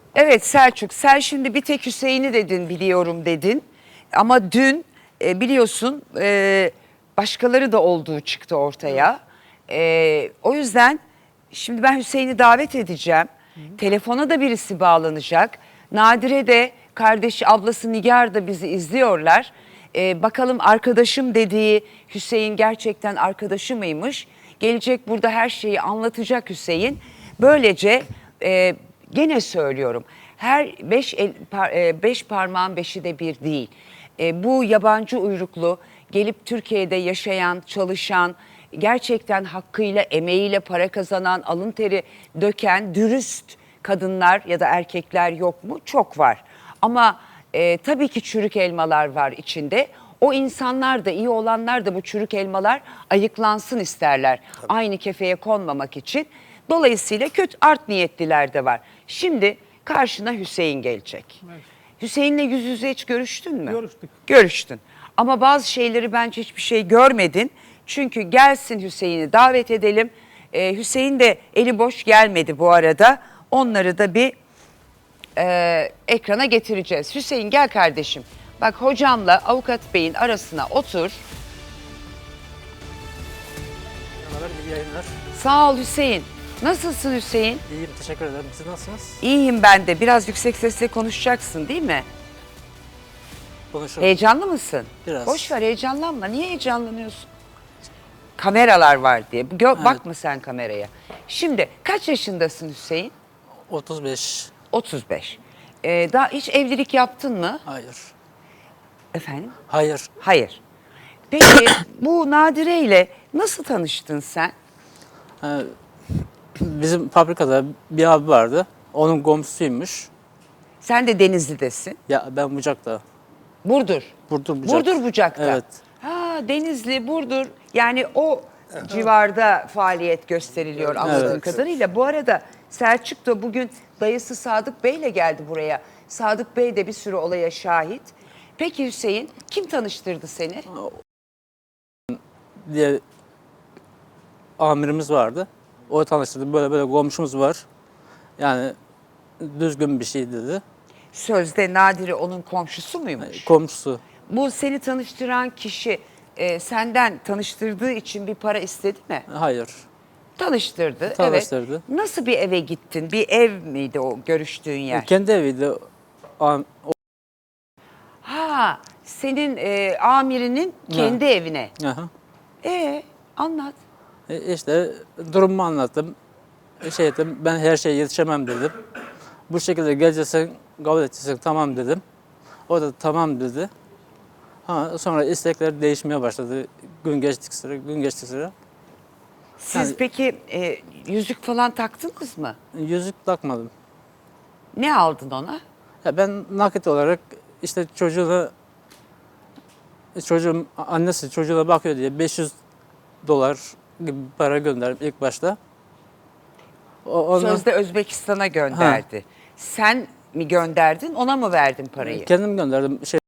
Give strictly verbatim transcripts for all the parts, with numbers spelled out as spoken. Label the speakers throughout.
Speaker 1: Evet Selçuk, sen şimdi bir tek Hüseyin'i dedin, biliyorum dedin. Ama dün e, biliyorsun e, başkaları da olduğu çıktı ortaya. E, o yüzden şimdi ben Hüseyin'i davet edeceğim. Telefona da birisi bağlanacak. Nadire de kardeşi, ablası Nigar da bizi izliyorlar. E, bakalım arkadaşım dediği Hüseyin gerçekten arkadaşı mıymış? Gelecek, burada her şeyi anlatacak Hüseyin. Böylece e, gene söylüyorum, her beş, el, par, e, beş parmağın beşi de bir değil. E, bu yabancı uyruklu gelip Türkiye'de yaşayan, çalışan, gerçekten hakkıyla, emeğiyle para kazanan, alın teri döken, dürüst kadınlar ya da erkekler yok mu? Çok var. Ama e, tabii ki çürük elmalar var içinde. O insanlar da, iyi olanlar da bu çürük elmalar ayıklansın isterler. Tabii. Aynı kefeye konmamak için. Dolayısıyla kötü art niyetliler de var. Şimdi karşına Hüseyin gelecek. Evet. Hüseyin'le yüz yüze hiç görüştün mü?
Speaker 2: Görüştük.
Speaker 1: Görüştün. Ama bazı şeyleri bence hiçbir şey görmedin. Çünkü gelsin, Hüseyin'i davet edelim. Ee, Hüseyin de eli boş gelmedi bu arada. Onları da bir e, ekrana getireceğiz. Hüseyin gel kardeşim. Bak, hocamla avukat beyin arasına otur.
Speaker 2: Merhabalar, iyi yayınlar.
Speaker 1: Sağ ol Hüseyin. Nasılsın Hüseyin?
Speaker 2: İyiyim, teşekkür ederim. Siz nasılsınız?
Speaker 1: İyiyim ben de. Biraz yüksek sesle konuşacaksın değil mi?
Speaker 2: Konuşuruz.
Speaker 1: Heyecanlı mısın?
Speaker 2: Biraz.
Speaker 1: Boş ver, heyecanlanma. Niye heyecanlanıyorsun? Kameralar var diye. Gö-
Speaker 2: Evet.
Speaker 1: Bakma sen kameraya. Şimdi kaç yaşındasın Hüseyin?
Speaker 2: otuz beş.
Speaker 1: otuz beş. Ee, daha hiç evlilik yaptın mı?
Speaker 2: Hayır.
Speaker 1: Efendim?
Speaker 2: Hayır.
Speaker 1: Hayır. Peki bu Nadire ile nasıl tanıştın sen?
Speaker 2: Ee, bizim fabrikada bir abi vardı. Onun komşusuymuş.
Speaker 1: Sen de Denizli'desin.
Speaker 2: Ya ben Bucak'ta.
Speaker 1: Burdur.
Speaker 2: Burdur Bucak.
Speaker 1: Burdur Bucak'ta.
Speaker 2: Evet.
Speaker 1: Ha, Denizli, Burdur. Yani o civarda faaliyet gösteriliyor anladığım
Speaker 2: Evet.
Speaker 1: kadarıyla. Bu arada Selçuk da bugün dayısı Sadık Bey'le geldi buraya. Sadık Bey de bir sürü olaya şahit. Peki Hüseyin, kim tanıştırdı seni?
Speaker 2: Diye amirimiz vardı. O tanıştırdı. Böyle böyle komşumuz var. Yani düzgün bir şey dedi.
Speaker 1: Sözde Nadire onun komşusu muymuş?
Speaker 2: Komşusu.
Speaker 1: Bu seni tanıştıran kişi e, senden tanıştırdığı için bir para istedi mi?
Speaker 2: Hayır.
Speaker 1: Tanıştırdı.
Speaker 2: Tanıştırdı.
Speaker 1: Evet. Nasıl bir eve gittin? Bir ev miydi o görüştüğün yer?
Speaker 2: Kendi eviydi. Am-
Speaker 1: Ha, senin e, amirinin kendi
Speaker 2: Ha.
Speaker 1: evine.
Speaker 2: Aha.
Speaker 1: E anlat.
Speaker 2: E işte durumumu anlattım. E şey ettim, ben her şeye yetişemem dedim. Bu şekilde geleceksen, kabul edeceksen tamam dedim. O da tamam dedi. Ha, sonra istekler değişmeye başladı. Gün geçtikçe, sıra, gün geçtikçe. sıra.
Speaker 1: Siz
Speaker 2: Yani-
Speaker 1: peki e, yüzük falan taktınız mı?
Speaker 2: Yüzük takmadım.
Speaker 1: Ne aldın ona?
Speaker 2: Ya ben nakit olarak işte çocuğuna, çocuğum, annesi çocuğuna bakıyor diye beş yüz dolar gibi para gönderdim ilk başta. O, ondan-
Speaker 1: Sözde Özbekistan'a gönderdi. Sen mi gönderdin, ona mı verdin parayı?
Speaker 2: Kendim gönderdim şey.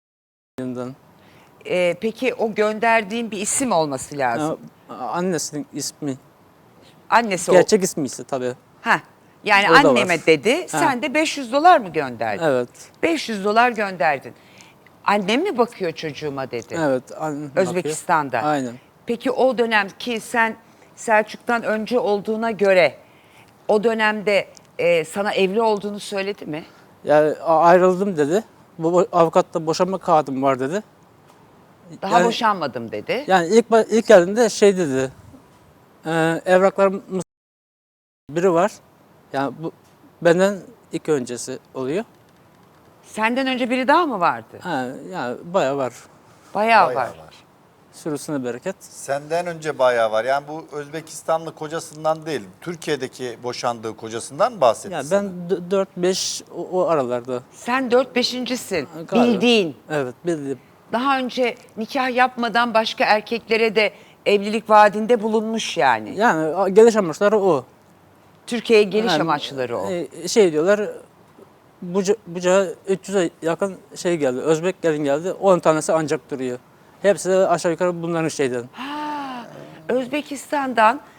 Speaker 1: E, peki o gönderdiğin bir isim olması lazım.
Speaker 2: Ya, annesinin ismi.
Speaker 1: Annesi o.
Speaker 2: Gerçek ismi ise tabii.
Speaker 1: Ha. Yani
Speaker 2: O da
Speaker 1: anneme
Speaker 2: var.
Speaker 1: dedi,
Speaker 2: Ha.
Speaker 1: sen de beş yüz dolar mı gönderdin?
Speaker 2: Evet.
Speaker 1: beş yüz dolar gönderdin. Annem mi bakıyor çocuğuma dedi.
Speaker 2: Evet. an-
Speaker 1: Özbekistan'da.
Speaker 2: bakıyor. Aynen.
Speaker 1: Peki o dönem ki sen Selçuk'tan önce olduğuna göre o dönemde e, sana evli olduğunu söyledi mi?
Speaker 2: Yani a- ayrıldım dedi. Bu bu- avukatta boşanma kağıdım var dedi.
Speaker 1: Daha
Speaker 2: Yani-
Speaker 1: boşanmadım dedi.
Speaker 2: Yani ilk ba- ilk geldiğinde şey dedi. E, evraklarım biri var. Yani bu benden iki öncesi oluyor.
Speaker 1: Senden önce biri daha mı vardı?
Speaker 2: Ha, yani bayağı var.
Speaker 1: Bayağı,
Speaker 3: Bayağı
Speaker 1: var.
Speaker 3: var.
Speaker 2: Sürüsüne bereket.
Speaker 3: Senden önce bayağı var. Yani bu Özbekistanlı kocasından değil, Türkiye'deki boşandığı kocasından bahsetti
Speaker 2: Yani
Speaker 3: sana.
Speaker 2: ben dört beş o, o aralarda.
Speaker 1: Sen dört beşincisin.
Speaker 2: Galiba.
Speaker 1: Bildiğin.
Speaker 2: Evet bildim.
Speaker 1: Daha önce nikah yapmadan başka erkeklere de evlilik vaadinde bulunmuş yani.
Speaker 2: Yani a- geliş amaçları o.
Speaker 1: Türkiye'ye geliş
Speaker 2: Yani,
Speaker 1: amaçları o.
Speaker 2: e, Şey diyorlar, Buca, Bucağa üç yüze yakın şey geldi, Özbek gelin geldi, on tanesi ancak duruyor. Hepsi de aşağı yukarı bunların şeyden.
Speaker 1: Ha, Özbekistan'dan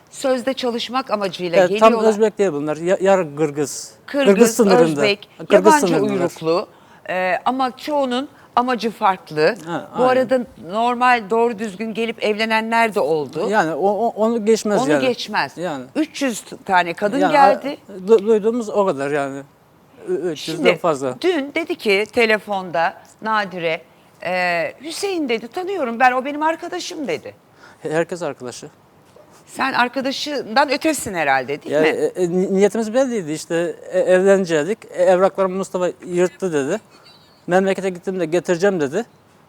Speaker 1: sözde çalışmak amacıyla
Speaker 2: Ya,
Speaker 1: geliyorlar.
Speaker 2: tam Özbek değil bunlar. Ya- Yarı Kırgız.
Speaker 1: Kırgız,
Speaker 2: sınırında.
Speaker 1: Özbek,
Speaker 2: Kırgız
Speaker 1: yabancı
Speaker 2: sınırındalar.
Speaker 1: uyruklu e, ama çoğunun amacı farklı.
Speaker 2: Ha,
Speaker 1: Bu
Speaker 2: aynen.
Speaker 1: arada normal doğru düzgün gelip evlenenler de oldu.
Speaker 2: Yani o, o- onu geçmez
Speaker 1: Onu
Speaker 2: yani.
Speaker 1: geçmez.
Speaker 2: Yani.
Speaker 1: üç yüz tane kadın
Speaker 2: Yani,
Speaker 1: geldi.
Speaker 2: du- duyduğumuz o kadar yani. Ü- üç yüzden
Speaker 1: Şimdi
Speaker 2: fazla.
Speaker 1: dün dedi ki telefonda Nadire, e, Hüseyin dedi tanıyorum ben, o benim arkadaşım dedi.
Speaker 2: Herkes arkadaşı.
Speaker 1: Sen arkadaşından ötesin herhalde değil
Speaker 2: Ya,
Speaker 1: mi?
Speaker 2: e, e, ni- niyetimiz belliydi işte e, evlenecektik. E, evraklarımı Mustafa yırttı dedi. Memlekete gittiğimde getireceğim dedi.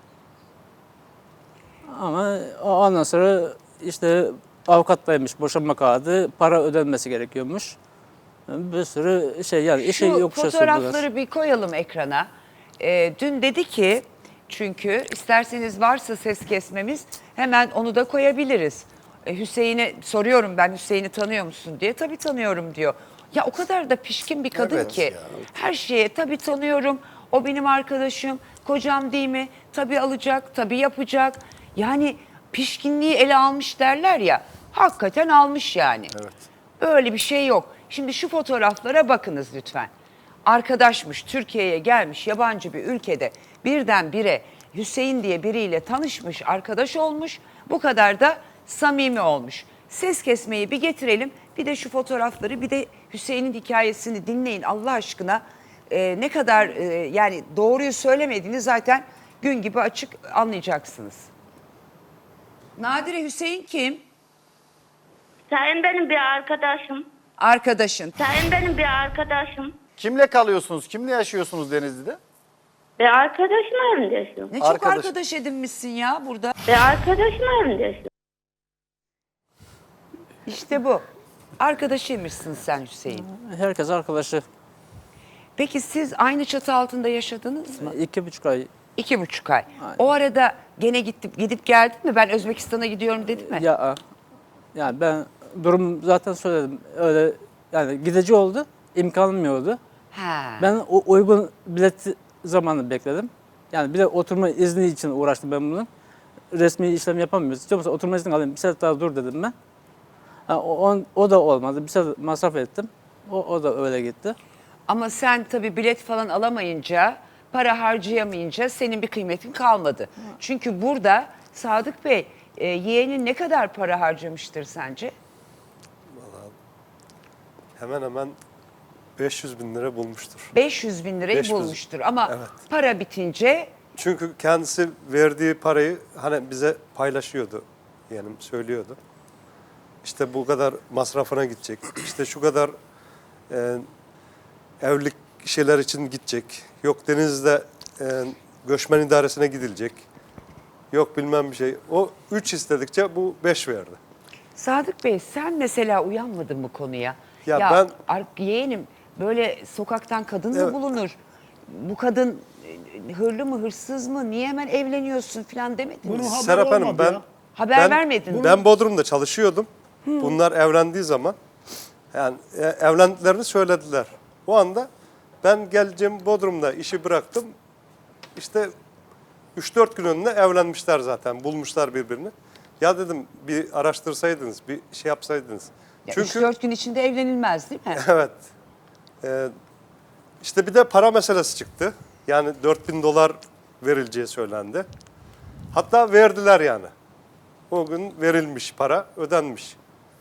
Speaker 2: Ama o- ondan sonra işte avukattaymış, boşanma kağıdı, para ödenmesi gerekiyormuş. Bir sürü şey yani işi
Speaker 1: Şu
Speaker 2: yokuşa sürdüler.
Speaker 1: fotoğrafları bir koyalım ekrana. Ee, dün dedi ki, çünkü isterseniz varsa ses kesmemiz hemen onu da koyabiliriz. Ee, Hüseyin'e soruyorum, ben Hüseyin'i tanıyor musun diye. Tabii tanıyorum diyor. Ya o kadar da pişkin bir kadın
Speaker 3: Evet
Speaker 1: ki
Speaker 3: ya.
Speaker 1: her şeye tabii tanıyorum. O benim arkadaşım, kocam değil mi? Tabii alacak, tabii yapacak. Yani pişkinliği ele almış derler ya. Hakikaten almış yani.
Speaker 3: Evet.
Speaker 1: Öyle bir şey yok. Şimdi şu fotoğraflara bakınız lütfen. Arkadaşmış, Türkiye'ye gelmiş, yabancı bir ülkede birdenbire Hüseyin diye biriyle tanışmış, arkadaş olmuş. Bu kadar da samimi olmuş. Ses kesmeyi bir getirelim. Bir de şu fotoğrafları, bir de Hüseyin'in hikayesini dinleyin Allah aşkına. Ee, ne kadar e, yani doğruyu söylemediğini zaten gün gibi açık anlayacaksınız. Nadire, Hüseyin kim?
Speaker 4: Sayın benim bir arkadaşım.
Speaker 1: Arkadaşın.
Speaker 4: Sayın benim bir arkadaşım.
Speaker 3: Kimle kalıyorsunuz? Kimle yaşıyorsunuz Denizli'de?
Speaker 4: Bir arkadaşım evinde yaşıyor.
Speaker 1: Ne çok
Speaker 3: Arkadaş.
Speaker 1: arkadaş edinmişsin ya burada.
Speaker 4: Bir arkadaşım evinde yaşıyor.
Speaker 1: İşte bu. Arkadaşıymışsın sen Hüseyin.
Speaker 2: Herkes arkadaşı.
Speaker 1: Peki siz aynı çatı altında yaşadınız mı?
Speaker 2: İki buçuk ay.
Speaker 1: İki buçuk ay. O arada gene gidip gidip geldin mi? Ben Özbekistan'a gidiyorum dedin mi?
Speaker 2: Ya yani ben durum zaten söyledim. Öyle yani gidici oldu. İmkanım yoktu.
Speaker 1: Ha.
Speaker 2: Ben o uygun bilet zamanı bekledim. Yani bir de oturma izni için uğraştım ben bunun. Resmi işlem yapamıyoruz. İstiyor musun oturma izni alayım, bir sefer daha dur dedim ben. Ha, o, on- o da olmadı. Bir sefer masraf ettim. O, o da öyle gitti.
Speaker 1: Ama sen tabii bilet falan alamayınca, para harcayamayınca senin bir kıymetin kalmadı. Çünkü burada Sadık Bey, e, yeğenin ne kadar para harcamıştır sence?
Speaker 5: Hemen hemen beş yüz bin lira bulmuştur.
Speaker 1: beş yüz bin lirayı
Speaker 5: beş yüz.
Speaker 1: bulmuştur. Ama
Speaker 5: Evet.
Speaker 1: para bitince
Speaker 5: Çünkü kendisi verdiği parayı hani bize paylaşıyordu. Yani söylüyordu. İşte bu kadar masrafına gidecek. İşte şu kadar e, evlilik şeyler için gidecek. Yok Denizli'de e, göçmen idaresine gidilecek. Yok bilmem bir şey. O üç istedikçe bu beş verdi.
Speaker 1: Sadık Bey, sen mesela uyanmadın bu konuya.
Speaker 5: Ya ben-
Speaker 1: ar- yeğenim, böyle sokaktan kadın mı
Speaker 5: Evet.
Speaker 1: bulunur? Bu kadın e, hırlı mı hırsız mı? Niye hemen evleniyorsun falan demedin mi?
Speaker 6: Bunun haber
Speaker 5: Serap Hanım
Speaker 6: olmadı
Speaker 5: ben
Speaker 6: ya.
Speaker 1: Haber
Speaker 5: ben,
Speaker 1: vermedin mi?
Speaker 5: Ben Bodrum'da çalışıyordum. Bunlar evlendiği zaman yani e, evlendiklerini söylediler. O anda ben geleceğim Bodrum'da işi bıraktım. İşte üç dört gün önüne evlenmişler zaten. Bulmuşlar birbirini. Ya dedim bir araştırsaydınız, bir şey yapsaydınız.
Speaker 1: Ya
Speaker 5: Çünkü
Speaker 1: üç dört gün içinde evlenilmez değil mi?
Speaker 5: evet. Ee, işte bir de para meselesi çıktı. Yani dört bin dolar verileceği söylendi. Hatta verdiler yani. O gün verilmiş para, ödenmiş.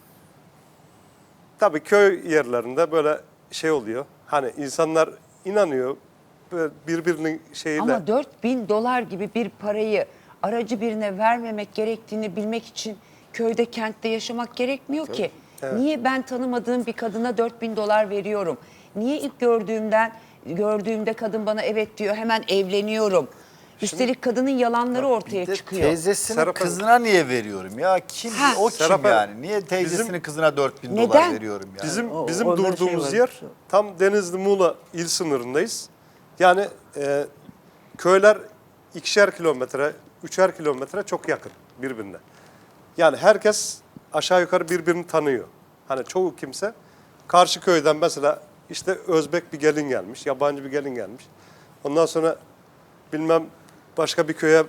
Speaker 5: Tabii köy yerlerinde böyle şey oluyor. Hani insanlar inanıyor. Böyle birbirinin şeyiyle.
Speaker 1: Ama dört bin dolar gibi bir parayı aracı birine vermemek gerektiğini bilmek için köyde, kentte yaşamak gerekmiyor ki. Niye ben tanımadığım bir kadına dört bin dolar veriyorum? Niye ilk gördüğümden gördüğümde kadın bana evet diyor, hemen evleniyorum? Üstelik kadının yalanları ortaya
Speaker 3: Bir de
Speaker 1: çıkıyor.
Speaker 3: Teyzesinin
Speaker 5: Serap Hanım.
Speaker 3: kızına niye veriyorum ya? Kim
Speaker 1: Ha.
Speaker 3: o kim
Speaker 5: Serap Hanım,
Speaker 3: yani? Niye teyzesinin
Speaker 5: bizim-
Speaker 3: kızına dört bin
Speaker 1: Neden?
Speaker 3: dolar veriyorum yani?
Speaker 5: Bizim
Speaker 2: O-
Speaker 5: bizim
Speaker 2: orada
Speaker 5: durduğumuz
Speaker 2: şey var.
Speaker 5: yer tam Denizli Muğla il sınırındayız. Yani e, köyler ikişer kilometre, üçer kilometre çok yakın birbirine. Yani herkes aşağı yukarı birbirini tanıyor. Hani çoğu kimse karşı köyden mesela işte Özbek bir gelin gelmiş, yabancı bir gelin gelmiş. Ondan sonra bilmem başka bir köye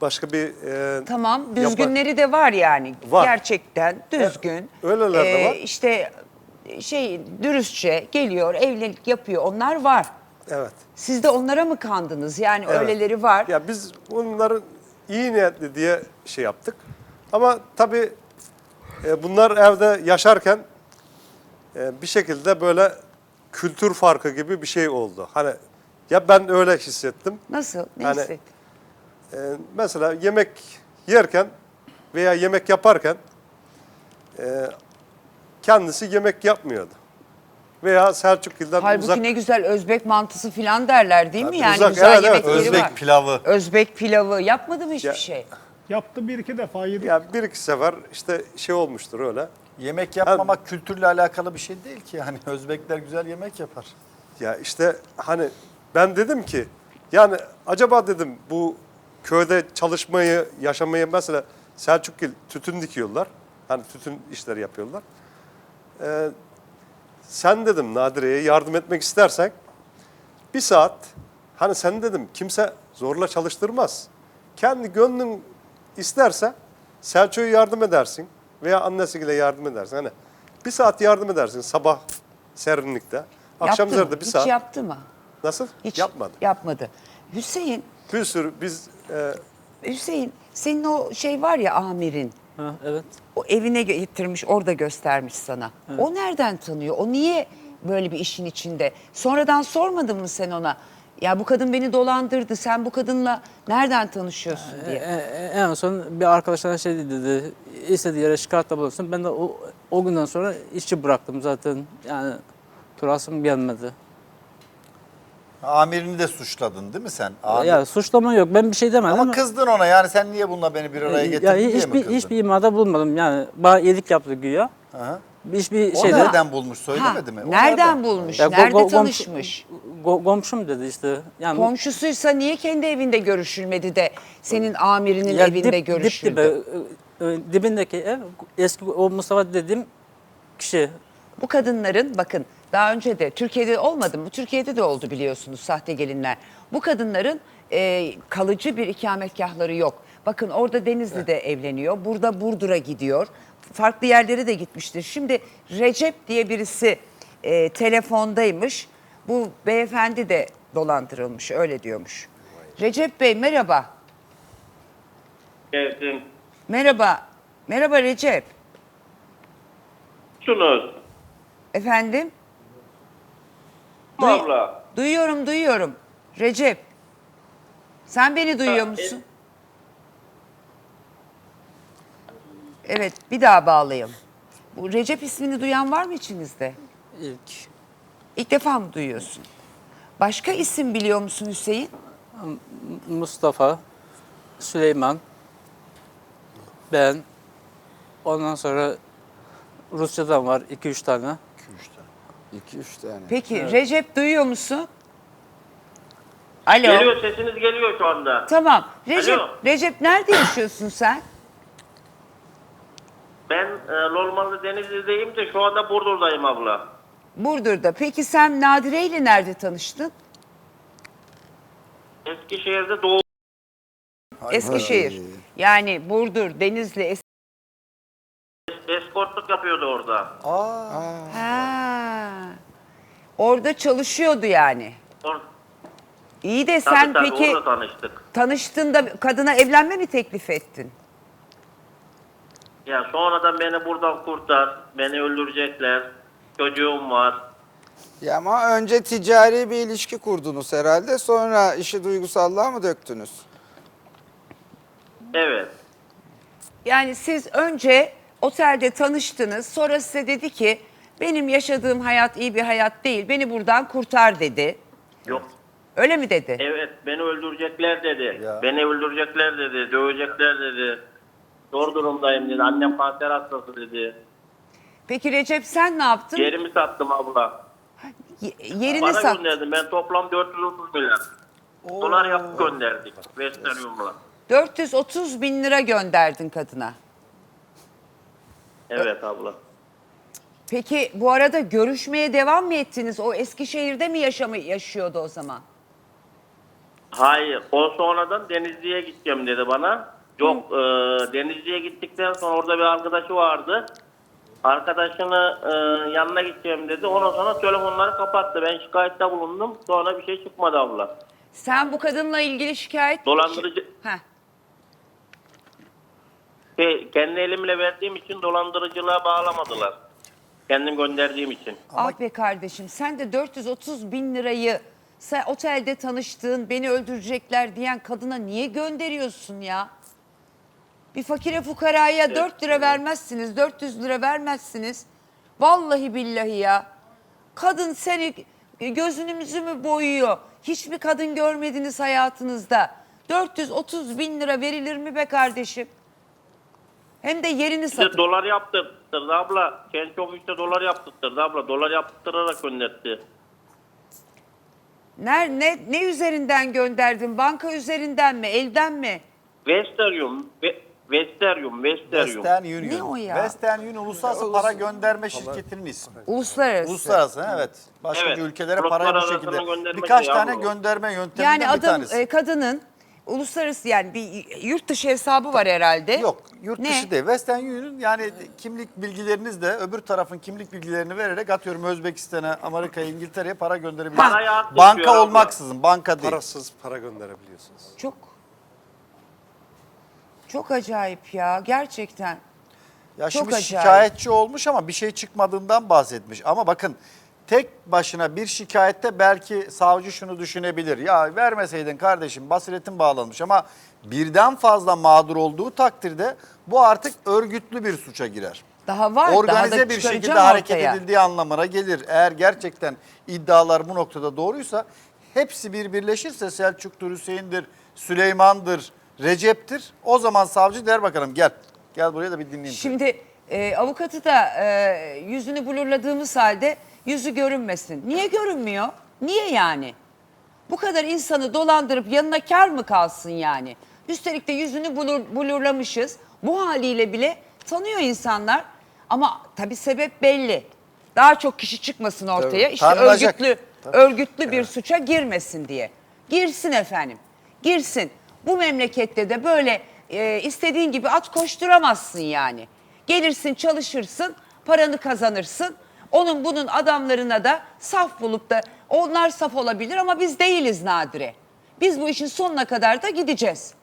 Speaker 5: başka bir e,
Speaker 1: Tamam,
Speaker 5: yapar-
Speaker 1: düzgünleri de var yani.
Speaker 5: Var.
Speaker 1: Gerçekten düzgün.
Speaker 5: öyleler de var.
Speaker 1: İşte şey dürüstçe geliyor, evlilik yapıyor. Onlar var.
Speaker 5: Evet.
Speaker 1: Siz de onlara mı kandınız? Yani
Speaker 5: Evet.
Speaker 1: öyleleri var.
Speaker 5: Ya biz bunların iyi niyetli diye şey yaptık. Ama tabii e, bunlar evde yaşarken e, bir şekilde böyle kültür farkı gibi bir şey oldu. Hani ya ben öyle hissettim.
Speaker 1: Nasıl? Ne
Speaker 5: Yani-
Speaker 1: hissettin?
Speaker 5: E, mesela yemek yerken veya yemek yaparken e, kendisi yemek yapmıyordu. Veya Selçukgil'den
Speaker 1: Halbuki
Speaker 5: uzak.
Speaker 1: ne güzel Özbek mantısı falan derler değil mi?
Speaker 5: Tabii
Speaker 1: Yani
Speaker 5: uzak,
Speaker 1: güzel
Speaker 5: evet, evet.
Speaker 1: yemekleri
Speaker 3: Özbek
Speaker 1: var.
Speaker 3: pilavı.
Speaker 1: Özbek pilavı yapmadı mı hiçbir
Speaker 5: Ya-
Speaker 1: şey?
Speaker 6: Yaptı bir iki defa yedik.
Speaker 5: Ya bir iki sefer işte şey olmuştur öyle.
Speaker 3: Yemek yapmamak kültürle alakalı bir şey değil ki. Yani Özbekler güzel yemek yapar.
Speaker 5: Ya işte hani ben dedim ki yani acaba dedim bu köyde çalışmayı, yaşamayı mesela Selçukgil tütün dikiyorlar. Hani tütün işleri yapıyorlar. Ee, sen dedim Nadire'ye yardım etmek istersen bir saat hani sen dedim kimse zorla çalıştırmaz. Kendi gönlün isterse Selçuk'a yardım edersin veya annesiyle yardım edersin. Hani bir saat yardım edersin sabah serinlikte. Akşam
Speaker 1: Yaptı mı?
Speaker 5: üzerinde bir
Speaker 1: Hiç
Speaker 5: saat.
Speaker 1: yaptı mı?
Speaker 5: Nasıl?
Speaker 1: Hiç
Speaker 5: Yapmadı.
Speaker 1: yapmadı. Hüseyin,
Speaker 5: Bir sürü biz e,
Speaker 1: Hüseyin senin o şey var ya amirin.
Speaker 2: Ha, evet.
Speaker 1: O evine getirmiş, orada göstermiş sana. O nereden tanıyor? O niye böyle bir işin içinde? Sonradan sormadın mı sen ona? Ya bu kadın beni dolandırdı. Sen bu kadınla nereden tanışıyorsun
Speaker 2: E,
Speaker 1: diye.
Speaker 2: e, en son bir arkadaşlarına şey dedi, istediği yere şikayetle bulunsun. Ben de o, o günden sonra işçi bıraktım zaten. Yani turasım gelmedi.
Speaker 3: Amirini de suçladın değil mi sen? Amir-
Speaker 2: Ya suçlama yok, ben bir şey demedim.
Speaker 3: Ama kızdın ona yani sen niye bununla beni bir araya getirdin
Speaker 2: ya,
Speaker 3: diye mi
Speaker 2: hiçbir,
Speaker 3: kızdın?
Speaker 2: hiçbir imada bulmadım yani. Bana iyilik yaptı güya.
Speaker 3: Aha.
Speaker 2: Hiçbir
Speaker 3: O
Speaker 2: şeyde...
Speaker 3: nereden bulmuş
Speaker 1: Ha,
Speaker 3: söylemedi mi? O
Speaker 1: nereden bulmuş?
Speaker 2: Ya, go-
Speaker 1: Nerede
Speaker 2: go- komşu-
Speaker 1: tanışmış?
Speaker 2: go- komşum dedi işte. Yani
Speaker 1: Komşusuysa niye kendi evinde görüşülmedi de senin amirinin
Speaker 2: ya
Speaker 1: evinde
Speaker 2: dip-
Speaker 1: görüşüldü?
Speaker 2: Dip dibe, e, e, dibindeki ev eski o Mustafa dediğim kişi.
Speaker 1: Bu kadınların bakın daha önce de Türkiye'de olmadı mı? Türkiye'de de oldu biliyorsunuz sahte gelinler. Bu kadınların e, kalıcı bir ikametgahları yok. Bakın orada Denizli'de evleniyor. Burada Burdur'a gidiyor. Farklı yerlere de gitmiştir. Şimdi Recep diye birisi e, telefondaymış. Bu beyefendi de dolandırılmış öyle diyormuş. Recep Bey merhaba.
Speaker 7: Geldim.
Speaker 1: Merhaba. Merhaba Recep.
Speaker 7: Şunuz.
Speaker 1: Efendim? Duy-
Speaker 7: Abla.
Speaker 1: Duyuyorum, duyuyorum. Recep, sen beni duyuyor musun? Evet, bir daha bağlayalım. Bu Recep ismini duyan var mı içinizde?
Speaker 2: İlk.
Speaker 1: İlk defa mı duyuyorsun? Başka isim biliyor musun Hüseyin?
Speaker 2: Mustafa, Süleyman, ben, ondan sonra Rusçadan var iki üç tane.
Speaker 8: İki üç tane.
Speaker 1: Peki Recep duyuyor musun? Alo.
Speaker 7: Geliyor, sesiniz geliyor şu anda.
Speaker 1: Tamam. Recep,
Speaker 7: Alo.
Speaker 1: Recep nerede yaşıyorsun sen?
Speaker 7: Ben e, normalde Denizli'deyim de şu anda Burdur'dayım abla.
Speaker 1: Burdur'da. Peki sen Nadire ile nerede tanıştın?
Speaker 7: Eskişehir'de doğu.
Speaker 1: Eskişehir. Yani Burdur, Denizli, Es-
Speaker 7: Eskortluk yapıyordu orada.
Speaker 1: Ha. Orada çalışıyordu yani.
Speaker 7: Or
Speaker 1: İyi de
Speaker 7: tabii,
Speaker 1: sen
Speaker 7: tabii,
Speaker 1: peki
Speaker 7: orada tanıştık.
Speaker 1: tanıştığında kadına evlenme mi teklif ettin?
Speaker 7: Ya sonradan beni buradan kurtar. Beni öldürecekler. Çocuğum var.
Speaker 8: Ya ama önce ticari bir ilişki kurdunuz herhalde. Sonra işi duygusallığa mı döktünüz?
Speaker 7: Evet.
Speaker 1: Yani siz önce otelde tanıştınız. Sonra size dedi ki benim yaşadığım hayat iyi bir hayat değil. Beni buradan kurtar dedi.
Speaker 7: Yok.
Speaker 1: Öyle mi dedi?
Speaker 7: Evet, beni öldürecekler dedi.
Speaker 3: Ya.
Speaker 7: Beni öldürecekler dedi. Dövecekler dedi. Zor durumdayım dedi. Annem kanser hastası dedi.
Speaker 1: Peki Recep sen ne yaptın?
Speaker 7: Yerimi sattım abla.
Speaker 1: Ye- yerini
Speaker 7: Para
Speaker 1: sat.
Speaker 7: gönderdim. Ben toplam dört yüz otuz milyar. Dolar yapıp gönderdik. Western Union'la.
Speaker 1: dört yüz otuz bin lira gönderdin kadına.
Speaker 7: Evet abla.
Speaker 1: Peki bu arada görüşmeye devam mı ettiniz? O Eskişehir'de mi yaşamı yaşıyordu o zaman?
Speaker 7: Hayır. O sonradan Denizli'ye gideceğim dedi bana. Yok e, Denizli'ye gittikten sonra orada bir arkadaşı vardı. Arkadaşını e, yanına gideceğim dedi. Ondan sonra telefonları kapattı. Ben şikayette bulundum. Sonra bir şey çıkmadı abla.
Speaker 1: Sen bu kadınla ilgili şikayet...
Speaker 7: Dolandırıcı...
Speaker 1: Heh.
Speaker 7: Şey, kendi elimle verdiğim için dolandırıcılığa bağlamadılar. Kendim gönderdiğim için.
Speaker 1: Ah be kardeşim, sen de dört yüz otuz bin lirayı sen otelde tanıştığın, beni öldürecekler diyen kadına niye gönderiyorsun ya? Bir fakire fukaraya dört lira vermezsiniz, dört yüz lira vermezsiniz. Vallahi billahi ya. Kadın seni gözünümüzü mü boyuyor? Hiçbir kadın görmediniz hayatınızda. dört yüz otuz bin lira verilir mi be kardeşim? Hem de yerini
Speaker 7: Bir de
Speaker 1: satıp.
Speaker 7: dolar yaptırttırdı abla. Kendi ofiste dolar yaptırttırdı abla. Dolar yaptırtarak gönderdi.
Speaker 1: Ne, ne, ne üzerinden gönderdin? Banka üzerinden mi? Elden mi?
Speaker 7: Western, Ve- Western, Western.
Speaker 3: Western Union.
Speaker 1: Ne o ya?
Speaker 3: Western Union uluslararası para gönderme şirketinin ismi.
Speaker 1: Uluslararası.
Speaker 3: Uluslararası evet. Başka
Speaker 7: Evet.
Speaker 3: ülkelere
Speaker 7: Bloklar
Speaker 3: parayı bu
Speaker 7: arasına
Speaker 3: şekilde.
Speaker 7: göndermek
Speaker 3: Birkaç
Speaker 7: ya
Speaker 3: tane
Speaker 7: bu.
Speaker 3: gönderme yönteminden
Speaker 1: Yani
Speaker 3: bir
Speaker 1: adam
Speaker 3: tanesi.
Speaker 1: e, kadının uluslararası yani bir yurt dışı hesabı var herhalde.
Speaker 3: Yok yurt
Speaker 1: Ne?
Speaker 3: dışı değil. Western Union yani kimlik bilgilerinizle öbür tarafın kimlik bilgilerini vererek atıyorum Özbekistan'a, Amerika'ya, İngiltere'ye para gönderebilirsiniz.
Speaker 7: Parayı at
Speaker 3: Banka
Speaker 7: tutuyor abla.
Speaker 3: olmaksızın, banka değil.
Speaker 5: Parasız para gönderebiliyorsunuz.
Speaker 1: Çok çok acayip ya gerçekten.
Speaker 3: Ya
Speaker 1: Çok
Speaker 3: şimdi
Speaker 1: acayip.
Speaker 3: şikayetçi olmuş ama bir şey çıkmadığından bahsetmiş. Ama bakın tek başına bir şikayette belki savcı şunu düşünebilir. Ya vermeseydin kardeşim basiretin bağlanmış ama birden fazla mağdur olduğu takdirde bu artık örgütlü bir suça girer.
Speaker 1: Daha var. daha
Speaker 3: Organize
Speaker 1: da
Speaker 3: bir şekilde
Speaker 1: çıkaracağım
Speaker 3: hareket
Speaker 1: ortaya.
Speaker 3: edildiği anlamına gelir. Eğer gerçekten iddialar bu noktada doğruysa hepsi bir birleşirse Selçuk'tur, Hüseyin'dir, Süleyman'dır, Recep'tir. O zaman savcı der bakalım gel. Gel buraya da bir dinleyeyim. seni.
Speaker 1: Şimdi e, avukatı da e, yüzünü blurladığımız halde yüzü görünmesin. Niye görünmüyor? Niye yani? Bu kadar insanı dolandırıp yanına kar mı kalsın yani? Üstelik de yüzünü blur, blurlamışız. Bu haliyle bile tanıyor insanlar. Ama tabii sebep belli. Daha çok kişi çıkmasın ortaya.
Speaker 3: Tabii.
Speaker 1: İşte
Speaker 3: Tanınacak.
Speaker 1: örgütlü, örgütlü bir suça girmesin diye. Girsin efendim. Girsin. Bu memlekette de böyle e, istediğin gibi at koşturamazsın yani. Gelirsin, çalışırsın, paranı kazanırsın. Onun bunun adamlarına da saf bulup da onlar saf olabilir ama biz değiliz Nadire. Biz bu işin sonuna kadar da gideceğiz.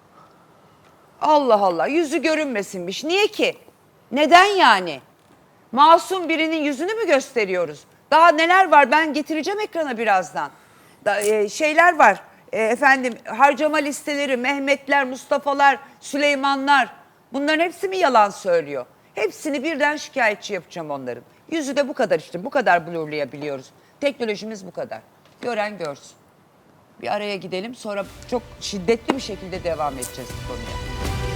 Speaker 1: Allah Allah, yüzü görünmesinmiş. Niye ki? Neden yani? Masum birinin yüzünü mü gösteriyoruz? Daha neler var, ben getireceğim ekrana birazdan. Da, e, şeyler var, e, efendim harcama listeleri, Mehmetler, Mustafa'lar, Süleymanlar. Bunların hepsi mi yalan söylüyor? Hepsini birden şikayetçi yapacağım onların. Yüzü de bu kadar işte, bu kadar blurlayabiliyoruz. Teknolojimiz bu kadar. Gören görsün. Bir araya gidelim, sonra çok şiddetli bir şekilde devam edeceğiz bu konuya.